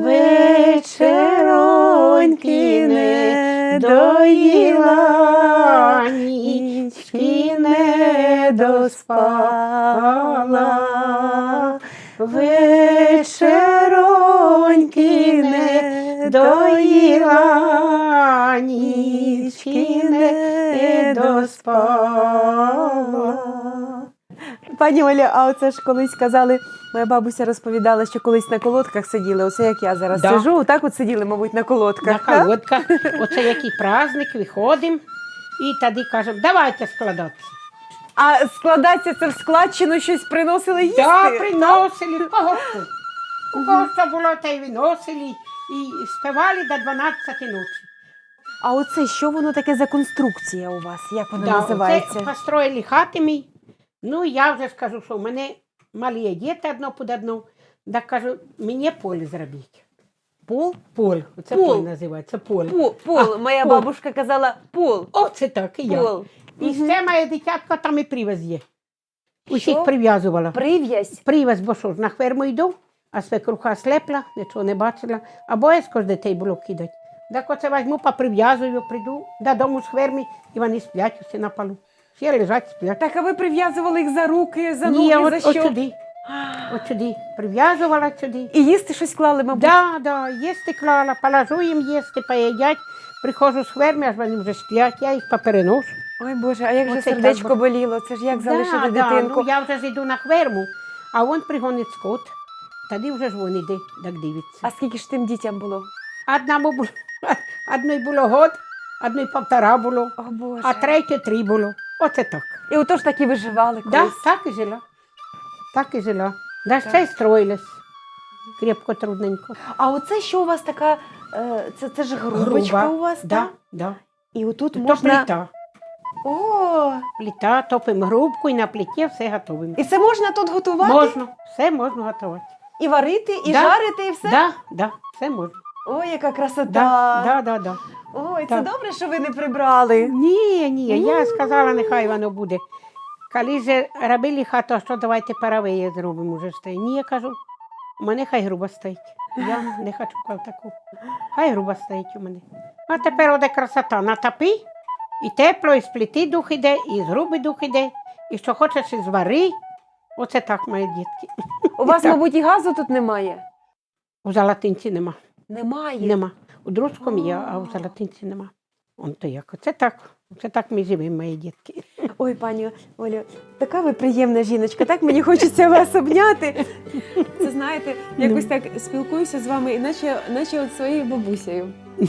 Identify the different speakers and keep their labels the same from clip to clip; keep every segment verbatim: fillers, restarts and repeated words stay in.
Speaker 1: вечероньки не доїла, нічки не доспала. Вечероньки не доїла, нічки не доспала.
Speaker 2: Пані Оля, а оце ж колись казали, моя бабуся розповідала, що колись на колодках сиділи, оце як я зараз
Speaker 1: Да.
Speaker 2: сижу, так от сиділи, мабуть, на колодках.
Speaker 1: На колодках. Оце який праздник, виходимо і тоді кажемо, давайте складатися.
Speaker 2: А складатися це в складчину щось приносили їсти?
Speaker 1: Так, приносили, кого хто. У кого що було, те й виносили і співали до дванадцятої ночі.
Speaker 2: А оце, що воно таке за конструкція у вас? Як вона
Speaker 1: Да,
Speaker 2: називається?
Speaker 1: оце построїли хати мій. Ну, я вже скажу, що в мене малі діти одно під одно. Так кажу, мені поле зробіть.
Speaker 2: Пол?
Speaker 1: Пол. Оце
Speaker 2: Пол.
Speaker 1: пол називається, поле.
Speaker 2: Пол. Пол.
Speaker 1: А,
Speaker 2: Моя
Speaker 1: пол.
Speaker 2: бабушка казала пол.
Speaker 1: Оце так, і я.
Speaker 2: Пол.
Speaker 1: І все моє дитятко там і привез є. Усіх
Speaker 2: Що?
Speaker 1: прив'язувала.
Speaker 2: Прив'язь.
Speaker 1: Привез, бо що ж, на ферму йду, а свекруха слепла, нічого не бачила, а боязко ж дітей було кидати. Так оце візьму, поприв'язую, прийду додому з ферми, і вони сплять усі на полу. Всі лежать, сплять.
Speaker 2: Так, а ви прив'язували їх за руки, за ноги,
Speaker 1: Ні,
Speaker 2: за
Speaker 1: от,
Speaker 2: що?
Speaker 1: от сюди, от сюди. Прив'язувала сюди.
Speaker 2: І їсти щось клали, мабуть?
Speaker 1: Да, да, їсти клала, положу їм їсти, поїдять. Приходжу з ферми, аж вони вже сплять, я їх попереношу.
Speaker 2: Ой, Боже, а як же
Speaker 1: Оце
Speaker 2: сердечко
Speaker 1: так, бо-
Speaker 2: боліло? Це ж як залишити
Speaker 1: Да, да,
Speaker 2: дитинку?
Speaker 1: ну, я вже ж йду на ферму, а він пригонить скот. Тоді вже ж він іде, так дивиться.
Speaker 2: А скільки ж тим дітям було?
Speaker 1: Одному було, одної було год, одної півтора було,
Speaker 2: О, Боже.
Speaker 1: а третє три було. Оце так.
Speaker 2: І отож так і виживали колись.
Speaker 1: Да, так і жила. Так і жила. Да ще й строїлась. Крепко, трудненько.
Speaker 2: А оце що у вас така, е, це, це ж грубочка
Speaker 1: Груба.
Speaker 2: у вас,
Speaker 1: Да,
Speaker 2: так?
Speaker 1: да.
Speaker 2: І отут
Speaker 1: То
Speaker 2: можна...
Speaker 1: плита.
Speaker 2: О,
Speaker 1: Плита, топимо грубку і на плиті все готуємо.
Speaker 2: і це можна тут готувати?
Speaker 1: Можна, все можна готувати.
Speaker 2: І варити, і
Speaker 1: Да.
Speaker 2: жарити, і все?
Speaker 1: Да, да, все можна.
Speaker 2: Ой, яка красота.
Speaker 1: Да, да, да, да.
Speaker 2: Ой, це
Speaker 1: Так.
Speaker 2: добре, що ви не прибрали.
Speaker 1: Ні, ні, я сказала, нехай воно буде. Коли ж робили хату, а що давайте парове зробимо вже стоїть. Ні, я кажу, у мене хай груба стоїть. Я не хочу таку. Хай груба стоїть у мене. А тепер оде красота. Натопи, і тепло, і з плити дух іде, і з груби дух іде, і що хочеш, і звари. Оце так, мої дітки.
Speaker 2: У вас,
Speaker 1: Так.
Speaker 2: мабуть, і газу тут немає?
Speaker 1: У Золотинці нема.
Speaker 2: Немає.
Speaker 1: Нема. У Друзькому є, а у Золотинці нема. Он то як. Оце так. Оце так ми живемо, мої дітки.
Speaker 2: Ой, пані Олю, така ви приємна жіночка, так мені хочеться вас обняти. Це, знаєте, якось так спілкуюся з вами, іначе, наче от своєю бабусею.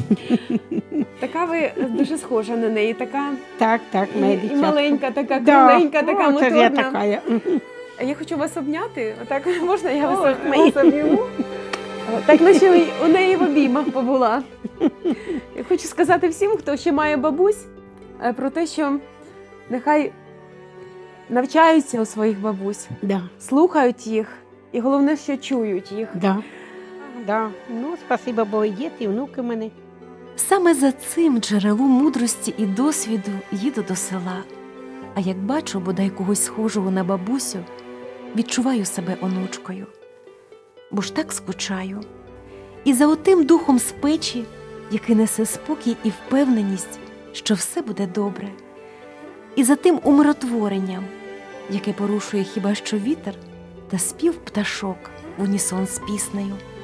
Speaker 2: Така ви дуже схожа на неї, така
Speaker 1: Так, так,
Speaker 2: і,
Speaker 1: моя
Speaker 2: і
Speaker 1: дитятка.
Speaker 2: маленька, така
Speaker 1: Да.
Speaker 2: кругленька, така
Speaker 1: О, це ж я
Speaker 2: моторна.
Speaker 1: така. я.
Speaker 2: А я хочу вас обняти, отак можна я вас,
Speaker 1: Ой,
Speaker 2: вас
Speaker 1: мої.
Speaker 2: обійму? Так, наче у неї в обіймах побула. Я хочу сказати всім, хто ще має бабусь, е, про те, що нехай навчаються у своїх бабусь,
Speaker 1: Да,
Speaker 2: слухають їх, і головне, що чують їх.
Speaker 1: да. Да. Ну, спасибо, бо і діти, і внуки в мене.
Speaker 3: Саме за цим джерелом мудрості і досвіду їду до села. А як бачу бодай когось схожого на бабусю, відчуваю себе онучкою. Бо ж так скучаю. І за отим духом з печі, який несе спокій і впевненість, що все буде добре. І за тим умиротворенням, яке порушує хіба що вітер та спів пташок в унісон з піснею.